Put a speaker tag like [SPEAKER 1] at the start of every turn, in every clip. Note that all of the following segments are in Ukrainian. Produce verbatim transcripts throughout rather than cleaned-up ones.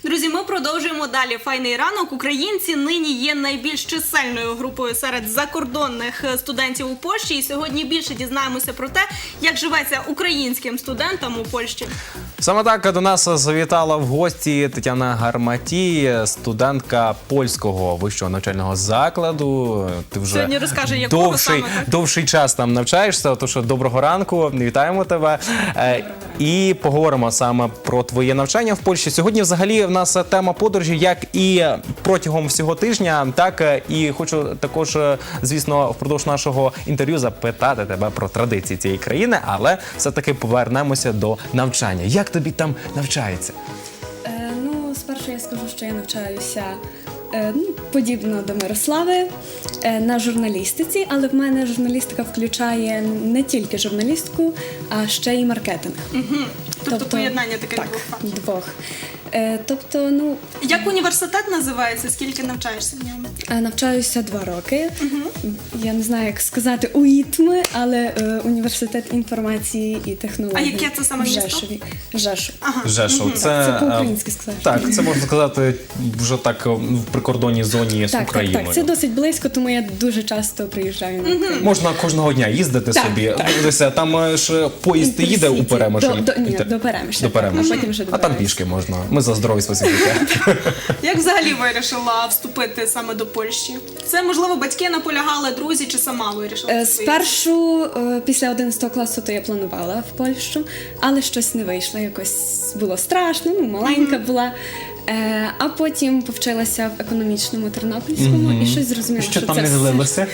[SPEAKER 1] Друзі, ми продовжуємо далі. Файний ранок. Українці нині є найбільш чисельною групою серед закордонних студентів у Польщі. І сьогодні більше дізнаємося про те, як живеться українським студентам у Польщі.
[SPEAKER 2] Саме так до нас завітала в гості Тетяна Гарматій, студентка польського вищого навчального закладу. Ти вже
[SPEAKER 1] Сьогодні розкаже, якого
[SPEAKER 2] довший,
[SPEAKER 1] саме, так?
[SPEAKER 2] довший час там навчаєшся, тож доброго ранку, вітаємо тебе. Е, І поговоримо саме про твоє навчання в Польщі. Сьогодні взагалі в нас тема подорожі, як і протягом всього тижня, так і хочу також, звісно, впродовж нашого інтерв'ю запитати тебе про традиції цієї країни, але все-таки повернемося до навчання. Як тобі там навчається?
[SPEAKER 3] Е, ну, спершу я скажу, що я навчаюся е, ну, подібно до Мирослави е, на журналістиці, але в мене журналістика включає не тільки журналістику, а ще й маркетинг.
[SPEAKER 1] Угу. Тобто, поєднання таких
[SPEAKER 3] так,
[SPEAKER 1] двох фактів.
[SPEAKER 3] двох. Е, тобто, ну,
[SPEAKER 1] Як університет називається? Скільки навчаєшся в ньому?
[SPEAKER 3] е, навчаюся два роки. Угу. Я не знаю, як сказати УІТМи, але е, університет інформації і технологій.
[SPEAKER 1] А яке це саме
[SPEAKER 3] в
[SPEAKER 1] місто?
[SPEAKER 3] Жешові. Жешов.
[SPEAKER 1] Ага.
[SPEAKER 2] Жешов, це,
[SPEAKER 3] Це по-українськи сказати.
[SPEAKER 2] Так, це можна сказати вже так в прикордонній зоні з
[SPEAKER 3] Так, так,
[SPEAKER 2] Україною.
[SPEAKER 3] так. Це досить близько, тому я дуже часто приїжджаю на Україну.
[SPEAKER 2] Можна кожного дня їздити
[SPEAKER 3] Так,
[SPEAKER 2] собі.
[SPEAKER 3] так.
[SPEAKER 2] Дивися, там ж поїзд їде у Перемишль.
[SPEAKER 3] До, до, ні,
[SPEAKER 2] І те-
[SPEAKER 3] до Перемишля.
[SPEAKER 2] До Перемишля.
[SPEAKER 3] А потім вже до
[SPEAKER 2] А там
[SPEAKER 3] Перемишля.
[SPEAKER 2] пішки можна. Ми за здоровий спосіб життя.
[SPEAKER 1] Як взагалі вирішила вступити саме до Польщі? Це, можливо, батьки наполягали, друзі, чи сама вирішила?
[SPEAKER 3] Е,
[SPEAKER 1] свої?
[SPEAKER 3] Спершу, е, після одинадцятого класу, то я планувала в Польщу, але щось не вийшло. Якось було страшно, ну, маленька була. Е, а потім повчилася в економічному Тернопільському і щось зрозуміла,
[SPEAKER 2] Що
[SPEAKER 3] що
[SPEAKER 2] там
[SPEAKER 3] це
[SPEAKER 2] не
[SPEAKER 3] все-
[SPEAKER 2] злилося?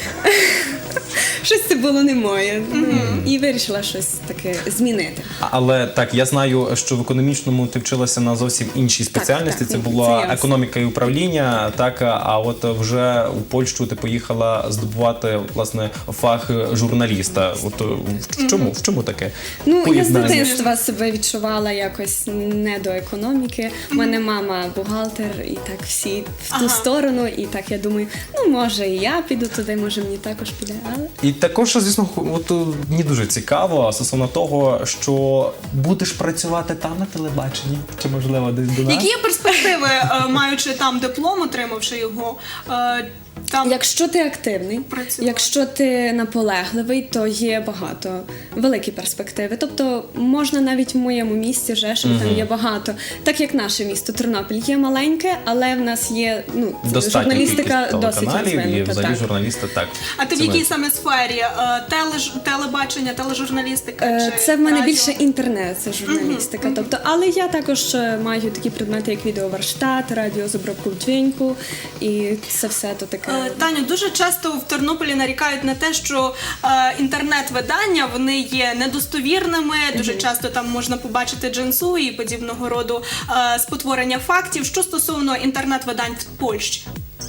[SPEAKER 3] щось це було не моє. Ну, і вирішила щось таке змінити.
[SPEAKER 2] Але так, я знаю, що в економічному ти вчилася на зовсім іншій спеціальності.
[SPEAKER 3] так,
[SPEAKER 2] Це
[SPEAKER 3] ну,
[SPEAKER 2] була
[SPEAKER 3] це я.
[SPEAKER 2] економіка і управління. Так, а от вже у Польщу ти поїхала здобувати власне фах журналіста. От в чому, в чому таке?
[SPEAKER 3] Ну, я з
[SPEAKER 2] поєднання?
[SPEAKER 3] дитинства себе відчувала якось не до економіки. У мене мама бухгалтер, і так всі в ту
[SPEAKER 1] Ага.
[SPEAKER 3] сторону. І так я думаю, ну може і я піду туди, може мені також піде. Але
[SPEAKER 2] І також, звісно, от е, мені дуже цікаво стосовно того, що будеш працювати там на телебаченні, чи можливо десь до нас?
[SPEAKER 1] Які є перспективи, е, маючи там диплом, отримавши його? е, Там...
[SPEAKER 3] якщо ти активний,
[SPEAKER 1] Працювати.
[SPEAKER 3] якщо ти наполегливий, то є багато великі перспективи. Тобто можна навіть в моєму місті Жешов, там є багато. Так як наше місто Тернопіль є маленьке, але в нас є ну
[SPEAKER 2] Достатня
[SPEAKER 3] журналістика
[SPEAKER 2] кількість
[SPEAKER 3] досить
[SPEAKER 2] телеканалів і
[SPEAKER 3] розвинута.
[SPEAKER 2] взагалі
[SPEAKER 3] Так.
[SPEAKER 2] журналісти так.
[SPEAKER 1] А ти в
[SPEAKER 2] Це
[SPEAKER 1] якій
[SPEAKER 2] ми-
[SPEAKER 1] саме сфері? Е, Тележ... Телебачення, тележурналістика?
[SPEAKER 3] Е,
[SPEAKER 1] чи
[SPEAKER 3] Це в мене
[SPEAKER 1] радіо?
[SPEAKER 3] більше інтернет, це журналістика. Тобто, але я також е, маю такі предмети, як відеоварштат, радіо з обробкою дзвінку, і це все то таке.
[SPEAKER 1] Е, Таню, дуже часто в Тернополі нарікають на те, що е, інтернет-видання, вони є недостовірними, дуже часто там можна побачити джинсу і подібного роду е, спотворення фактів. Що стосовно інтернет-видань в Польщі?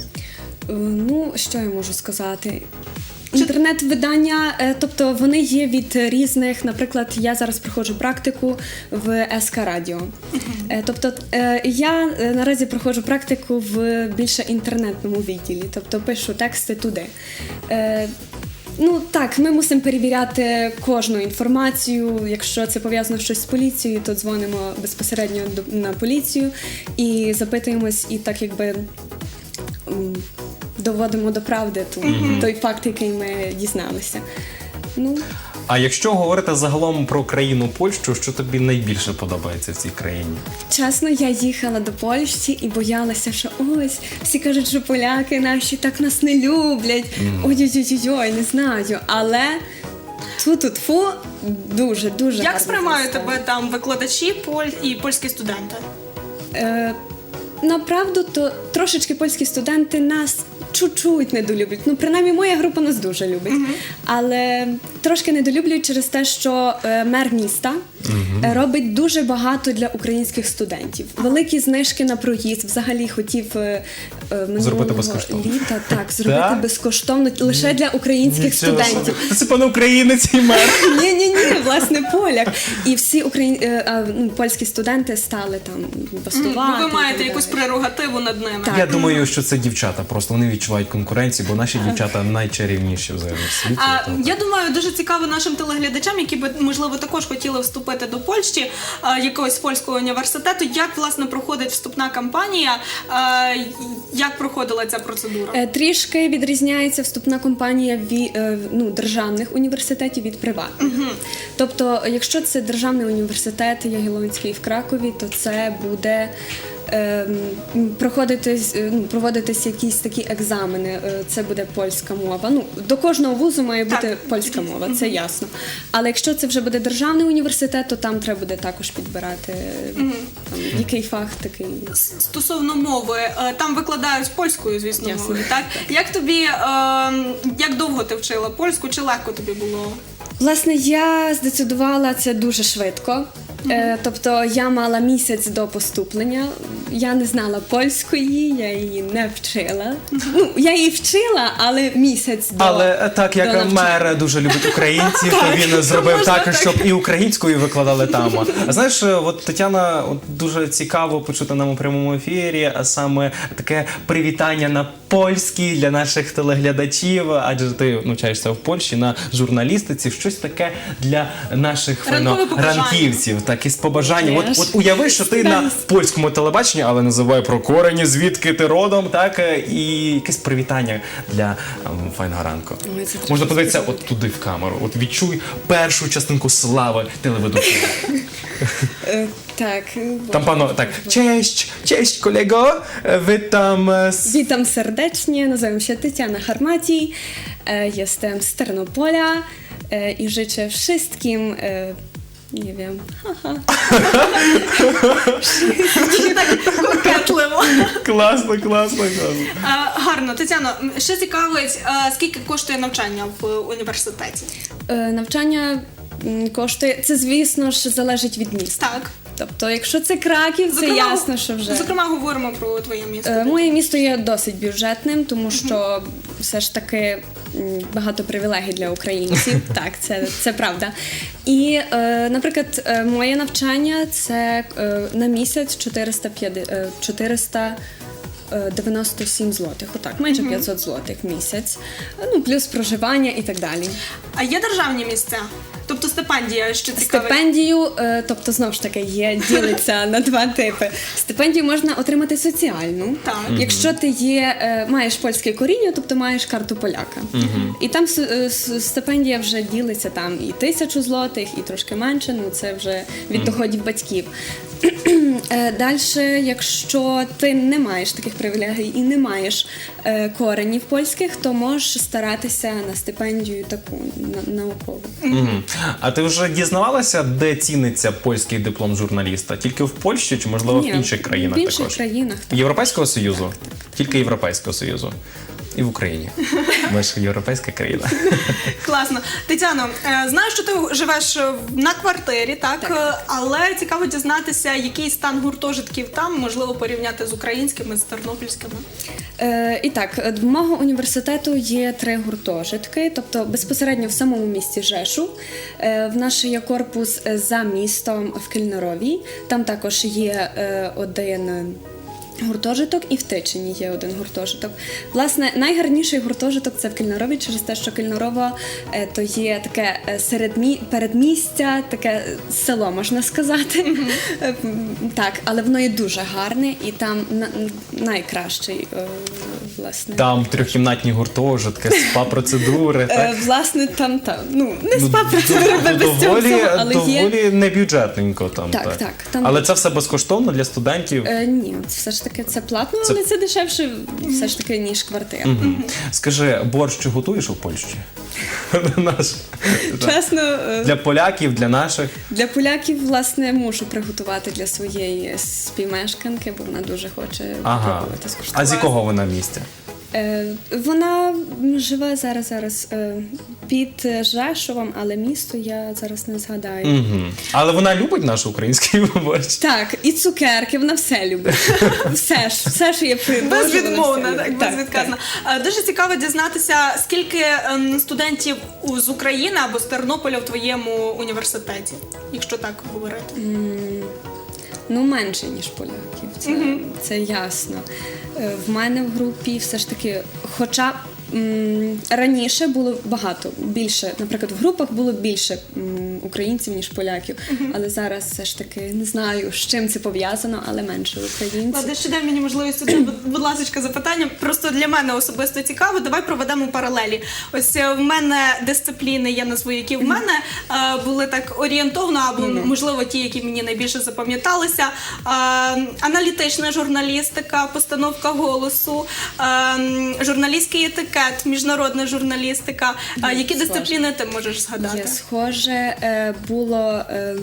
[SPEAKER 3] Е, Ну, що я можу сказати? Інтернет-видання, е, тобто вони є від різних, наприклад, я зараз проходжу практику в ес ка Радіо. Е, Тобто е, я е, наразі проходжу практику в більше інтернетному відділі, тобто пишу тексти туди. Е, Ну так, ми мусимо перевіряти кожну інформацію. Якщо це пов'язано щось з поліцією, то дзвонимо безпосередньо до- на поліцію і запитуємось, і так якби м, доводимо до правди ту, той факт, який ми дізналися. Ну,
[SPEAKER 2] А якщо говорити загалом про країну Польщу, що тобі найбільше подобається в цій країні?
[SPEAKER 3] чесно, я їхала до Польщі і боялася, що ось всі кажуть, що поляки наші так нас не люблять. Ой-ой-ой, не знаю. Але тфу-ту-тфу, дуже, дуже
[SPEAKER 1] Як
[SPEAKER 3] гарно
[SPEAKER 1] сприймають
[SPEAKER 3] застали.
[SPEAKER 1] тебе там викладачі поль... і польські студенти?
[SPEAKER 3] Е, Направду, то трошечки польські студенти нас чуть-чуть недолюблять. Ну, принаймні, моя група нас дуже любить. Але трошки недолюблюють через те, що е, мер міста е, робить дуже багато для українських студентів. Великі знижки на проїзд, взагалі хотів е, е, минулого
[SPEAKER 2] Зробити безкоштовно.
[SPEAKER 3] літа. Так, зробити
[SPEAKER 2] Так?
[SPEAKER 3] безкоштовно лише для українських
[SPEAKER 2] Нічого
[SPEAKER 3] студентів.
[SPEAKER 2] собі. Це пане українець і мер.
[SPEAKER 3] Ні, ні, ні, власне, поляк. І всі україн... е, а, ну, польські студенти стали там бастувати.
[SPEAKER 1] Ну, ви
[SPEAKER 3] і
[SPEAKER 1] маєте
[SPEAKER 3] так
[SPEAKER 1] якусь
[SPEAKER 3] далі.
[SPEAKER 1] прерогативу над ними.
[SPEAKER 3] Так.
[SPEAKER 2] Я думаю, що це дівчата, просто вони відчувають конкуренцію, бо наші дівчата найчарівніші взагалі в світі.
[SPEAKER 1] А
[SPEAKER 2] То-
[SPEAKER 1] я думаю, дуже цікаво нашим телеглядачам, які би можливо також хотіли вступити до Польщі, а, якогось польського університету. Як власне проходить вступна кампанія? а, Як проходила ця процедура?
[SPEAKER 3] Е, Трішки відрізняється вступна кампанія від ну, державних університетів від приватних. Тобто, якщо це державний університет Ягелонський в Кракові, то це буде ем, проходитись, е, ну, проводитись якісь такі екзамени. Е, Це буде польська мова. Ну, до кожного вузу має бути
[SPEAKER 1] Так.
[SPEAKER 3] польська мова, це ясно. Але якщо це вже буде державний університет, то там треба буде також підбирати там, який фах такий.
[SPEAKER 1] Стосовно мови, е, там викладають польською, звісно,
[SPEAKER 3] Ясно.
[SPEAKER 1] мовою, так? Як тобі, е, як довго ти вчила польську, чи легко тобі було?
[SPEAKER 3] Власне, я здецидувала це дуже швидко. Е, тобто я мала місяць до поступлення. Я не знала польської, я її не вчила. Ну, я її вчила, але місяць до.
[SPEAKER 2] Але е, так
[SPEAKER 3] до
[SPEAKER 2] як
[SPEAKER 3] навчання.
[SPEAKER 2] мер дуже любить українців, то він зробив
[SPEAKER 1] можна
[SPEAKER 2] так,
[SPEAKER 1] так.
[SPEAKER 2] щоб і українською викладали там. А знаєш, е, от Тетяна, от дуже цікаво почути нам у прямому ефірі, а саме таке привітання на польській для наших телеглядачів, адже ти навчаєшся в Польщі на журналістиці, щось таке для наших
[SPEAKER 1] Ранкове
[SPEAKER 2] файно,
[SPEAKER 1] побажання.
[SPEAKER 2] ранківців, так із побажанням. От,
[SPEAKER 3] Теж.
[SPEAKER 2] от уяви, що ти на польському телебаченні, але називай про корені, звідки ти родом, так, е, і якесь привітання для ем, файного ранку.
[SPEAKER 3] Ой, це
[SPEAKER 2] Можна подивитися от туди в камеру, от відчуй першу частинку слави телеведучого.
[SPEAKER 3] Е, так.
[SPEAKER 2] Там пано так, cześć, cześć kolego, witam z...
[SPEAKER 3] Witam serdecznie, nazywam się Tetiana Harmati, e, jestem z Ternopola e, i życzę wszystkim, e, nie wiem, haha,
[SPEAKER 1] Кокетливо.
[SPEAKER 2] Класно, класно, класно.
[SPEAKER 1] Е, Гарно, Тетяно, м, ще цікавить, е, скільки коштує навчання в університеті?
[SPEAKER 3] e, навчання м, коштує, це звісно ж залежить від міста.
[SPEAKER 1] Так.
[SPEAKER 3] Тобто, якщо це Краків, це ясно, що вже.
[SPEAKER 1] Зокрема, говоримо про твоє місто.
[SPEAKER 3] Е, Моє місто є досить бюджетним, тому що все ж таки м, багато привілегій для українців. Так, це, це правда. І, е, наприклад, е, моє навчання це е, на місяць чотириста п'ятдесят, е, чотириста дев'яносто сім злотих. Отак, майже п'ятсот злотих в місяць. Ну, плюс проживання і так далі.
[SPEAKER 1] А є державні місця? Тобто стипендія, що цікавить?
[SPEAKER 3] Стипендію, е, тобто знову ж таки є, ділиться на два типи. Стипендію можна отримати соціальну,
[SPEAKER 1] Так.
[SPEAKER 3] якщо ти є, е, маєш польське коріння, тобто маєш карту поляка. І там с- е, с- стипендія вже ділиться там і тисячу злотих, і трошки менше. Ну це вже від доходів батьків. Далі, якщо ти не маєш таких привілегій і не маєш е, коренів польських, то можеш старатися на стипендію таку на- наукову.
[SPEAKER 2] Мгм. А ти вже дізнавалася, де ціниться польський диплом журналіста? Тільки в Польщі чи, можливо, в
[SPEAKER 3] Ні,
[SPEAKER 2] інших країнах
[SPEAKER 3] в інших
[SPEAKER 2] також?
[SPEAKER 3] країнах, так.
[SPEAKER 2] Європейського Союзу? Тільки Європейського Союзу. І в Україні. Ми ж європейська країна.
[SPEAKER 1] Класно. Тетяно, е, знаю, що ти живеш е, на квартирі, так?
[SPEAKER 3] Так.
[SPEAKER 1] Е, Але цікаво дізнатися, який стан гуртожитків там, можливо, порівняти з українськими, з тернопільськими.
[SPEAKER 3] Е, і так, е, в мого університету є три гуртожитки, тобто безпосередньо в самому місті Жешу. Е, в нас є корпус е, за містом в Кільнарові. Там також є е, один е, гуртожиток, і в Тичині є один гуртожиток. Власне, найгарніший гуртожиток це в Кільнарові, через те, що Кільнарово е, то є таке е, середмі... передмістя, таке е, село, можна сказати. Е, м, Так, але воно є дуже гарне і там на... найкращий, е, власне.
[SPEAKER 2] Там трьохкімнатні гуртожитки, спа-процедури. так?
[SPEAKER 3] Е, Власне, там, там, ну, не
[SPEAKER 2] Ну,
[SPEAKER 3] спа процедури
[SPEAKER 2] д-
[SPEAKER 3] без цього
[SPEAKER 2] доволі,
[SPEAKER 3] всього, але є.
[SPEAKER 2] доволі небюджетненько там.
[SPEAKER 3] Так, так, там-
[SPEAKER 2] Але це все безкоштовно для студентів.
[SPEAKER 3] Е, ні, все ж таки це платно,
[SPEAKER 2] Це-
[SPEAKER 3] але це дешевше все ж таки, ніж квартира.
[SPEAKER 2] Мгм. Скажи, борщ чи готуєш у Польщі? Наш.
[SPEAKER 3] Чесно, е,
[SPEAKER 2] Для поляків, для наших.
[SPEAKER 3] для поляків, власне, мушу приготувати для своєї співмешканки, бо вона дуже хоче
[SPEAKER 2] Ага.
[SPEAKER 3] пробувати
[SPEAKER 2] А
[SPEAKER 3] скуштувати.
[SPEAKER 2] з якого вона місця?
[SPEAKER 3] Е, Вона живе зараз зараз е, під Жешовом, але місто я зараз не згадаю.
[SPEAKER 2] Угу. Але вона любить наш український борщ.
[SPEAKER 3] Так, і цукерки, вона все любить. Все ж, все, що є предложено.
[SPEAKER 1] Безвідмовна,
[SPEAKER 3] все
[SPEAKER 1] так,
[SPEAKER 3] любить.
[SPEAKER 1] безвідказна. Е, Дуже цікаво дізнатися, скільки ем, студентів у- з України або з Тернополя в твоєму університеті, якщо так говорити.
[SPEAKER 3] Ну, менше, ніж поляків, це, це ясно. Е, В мене в групі все ж таки, хоча м, раніше було багато, більше, наприклад, в групах було більше м, українців, ніж поляків, але зараз все ж таки не знаю, з чим це пов'язано, але менше українців.
[SPEAKER 1] Ладно, ще дай мені можливість одне, будь- будь ласка, запитання. Просто для мене особисто цікаво. Давай проведемо паралелі. Ось е, в мене дисципліни, я назву, які в мене е, були так орієнтовно, або можливо ті, які мені найбільше запам'яталися. Е, аналітична журналістика, постановка голосу, е, журналістський етикет, міжнародна журналістика. Е, які
[SPEAKER 3] схоже.
[SPEAKER 1] дисципліни ти можеш згадати?
[SPEAKER 3] Є схоже, е, було е,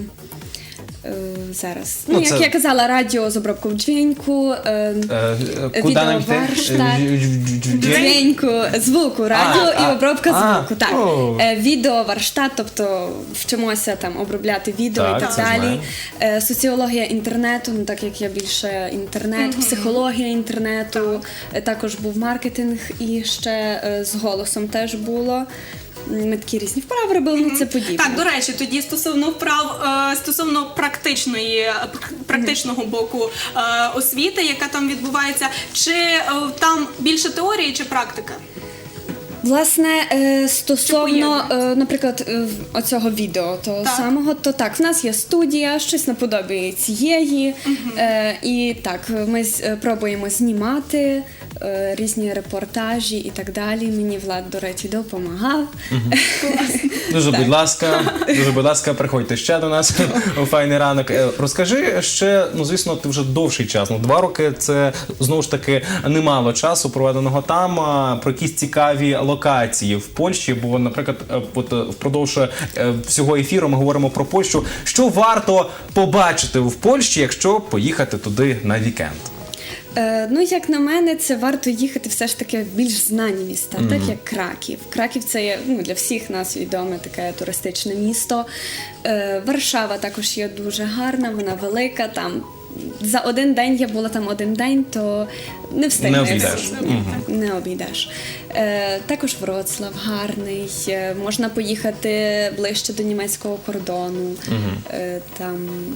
[SPEAKER 3] е, зараз. Ну,
[SPEAKER 2] Ну,
[SPEAKER 3] як
[SPEAKER 2] це-
[SPEAKER 3] я казала, радіо з обробкою дзвінку, е,
[SPEAKER 2] Е, е, Куди нам йти?
[SPEAKER 3] Відеоварштат.
[SPEAKER 2] Е,
[SPEAKER 3] дзвінку, звуку, радіо
[SPEAKER 2] а,
[SPEAKER 3] і обробка
[SPEAKER 2] а,
[SPEAKER 3] звуку. Так.
[SPEAKER 2] о.
[SPEAKER 3] Е, Відео, варштат, тобто вчимося там обробляти відео
[SPEAKER 2] Так,
[SPEAKER 3] і так
[SPEAKER 2] це
[SPEAKER 3] далі.
[SPEAKER 2] знаю.
[SPEAKER 3] Е, Соціологія інтернету, ну так як я більше інтернет, психологія інтернету, е, також був маркетинг і ще е, з голосом теж було. Ми такі різні вправи робили, ну це подібне.
[SPEAKER 1] Так, до речі, тоді стосовно вправ, е, стосовно практичної, е, пр- практичного боку е, освіти, яка там відбувається, чи е, там більше теорії, чи практика?
[SPEAKER 3] Власне, е, стосовно,
[SPEAKER 1] поєднується?
[SPEAKER 3] е, наприклад, е, в- оцього відео того
[SPEAKER 1] Так.
[SPEAKER 3] самого, то так, в нас є студія, щось наподобі цієї, е, і так, ми з- е, пробуємо знімати е, різні репортажі і так далі. Мені Влад, до речі, допомагав.
[SPEAKER 2] Дуже, будь ласка, дуже, будь ласка, приходьте ще до нас у файний ранок. Е, Розкажи ще, ну звісно, ти вже довший час. Ну, два роки це знову ж таки немало часу проведеного там. А, про якісь цікаві локації в Польщі. Бо, наприклад, е, от е, впродовж е, всього ефіру ми говоримо про Польщу. Що варто побачити в Польщі, якщо поїхати туди на вікенд?
[SPEAKER 3] Е, ну, як на мене, це варто їхати все ж таки в більш знані міста, так як Краків. Краків це є ну, для всіх нас відоме таке туристичне місто. Е, Варшава також є дуже гарна, вона велика. Там за один день я була там один день, то не встигнеш.
[SPEAKER 2] Не обійдеш.
[SPEAKER 3] Ні, не обійдеш. Е, також Вроцлав гарний. Е, можна поїхати ближче до німецького кордону. Е, там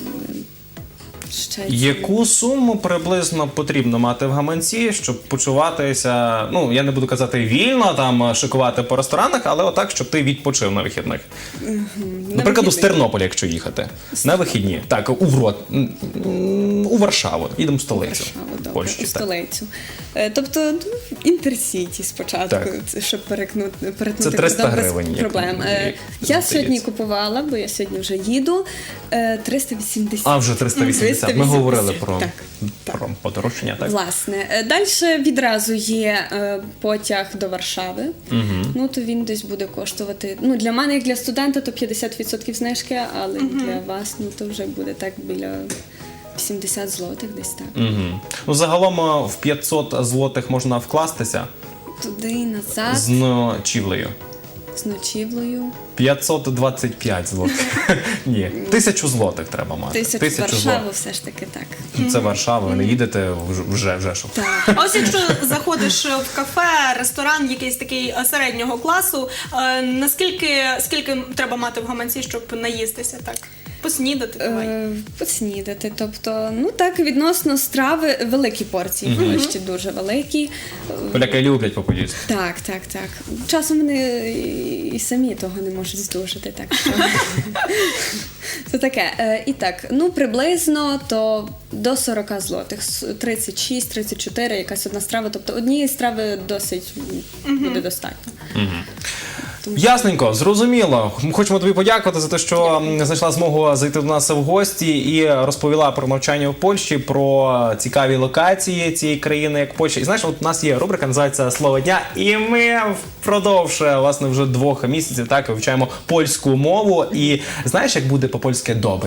[SPEAKER 3] ще
[SPEAKER 2] Яку суму приблизно потрібно мати в гаманці, щоб почуватися, ну я не буду казати вільно, там шикувати по ресторанах, але отак, щоб ти відпочив на вихідних. Наприклад, з Тернополя, якщо їхати на вихідні, так у Врод, м, м, у Варшаву, їдемо в столицю
[SPEAKER 3] Варшаву, добре,
[SPEAKER 2] Польщі.
[SPEAKER 3] у
[SPEAKER 2] Так.
[SPEAKER 3] столицю. Е, Тобто ну, Інтерсіті спочатку,
[SPEAKER 2] Так.
[SPEAKER 3] це, щоб перекнути, перетнути
[SPEAKER 2] Це триста
[SPEAKER 3] кордон без
[SPEAKER 2] гривень, як
[SPEAKER 3] проблем.
[SPEAKER 2] мені
[SPEAKER 3] Е, Я
[SPEAKER 2] здається.
[SPEAKER 3] сьогодні купувала, бо я сьогодні вже їду, е, триста вісімдесят.
[SPEAKER 2] А вже триста вісімдесят. Ми говорили про,
[SPEAKER 3] Так.
[SPEAKER 2] про подорожчання, так?
[SPEAKER 3] Власне, далі відразу є е, потяг до Варшави. Ну то він десь буде коштувати. Ну для мене, як для студента, то п'ятдесят відсотків знижки, але для вас ну то вже буде так біля сімдесят злотих, десь так.
[SPEAKER 2] Угу. Ну, загалом е, в п'ятсот злотих можна вкластися
[SPEAKER 3] Туди і назад
[SPEAKER 2] з ночівлею.
[SPEAKER 3] з ночівлею.
[SPEAKER 2] п'ятсот двадцять п'ять злотих. Ні, тисячу злотих треба мати.
[SPEAKER 3] Тисячу Варшаву все ж таки так.
[SPEAKER 2] Це Варшава, ви не їдете в- вже, вже що.
[SPEAKER 3] Так.
[SPEAKER 1] А ось якщо заходиш в кафе, ресторан, якийсь такий е, середнього класу, е, наскільки скільки треба мати в гаманці, щоб наїстися так? Поснідати давай.
[SPEAKER 3] Е, Поснідати. Тобто, ну так, відносно страви великі порції, mm ще дуже великі.
[SPEAKER 2] Поляки люблять попоїсти.
[SPEAKER 3] Так, так, так. Часом вони і- і самі того не можуть здужати, так що. Це таке. Е, І так, ну приблизно то до сорок злотих, С- тридцять шість тридцять чотири, якась одна страва. Тобто однієї страви досить м, буде достатньо.
[SPEAKER 2] Ясненько, зрозуміло. Ми хочемо тобі подякувати за те, що м, знайшла змогу зайти до нас в гості і розповіла про навчання в Польщі, про цікаві локації цієї країни, як Польща. І знаєш, от у нас є рубрика, називається «Слово дня», і ми впродовж, власне, вже двох місяців так вивчаємо польську мову. І знаєш, як буде по-польськи «добре»?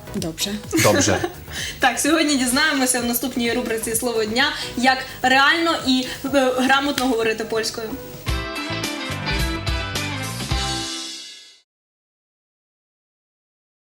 [SPEAKER 3] Dobrze.
[SPEAKER 2] Добре.
[SPEAKER 1] Так, сьогодні дізнаємося в наступній рубриці «Слово дня», як реально і е, грамотно говорити польською.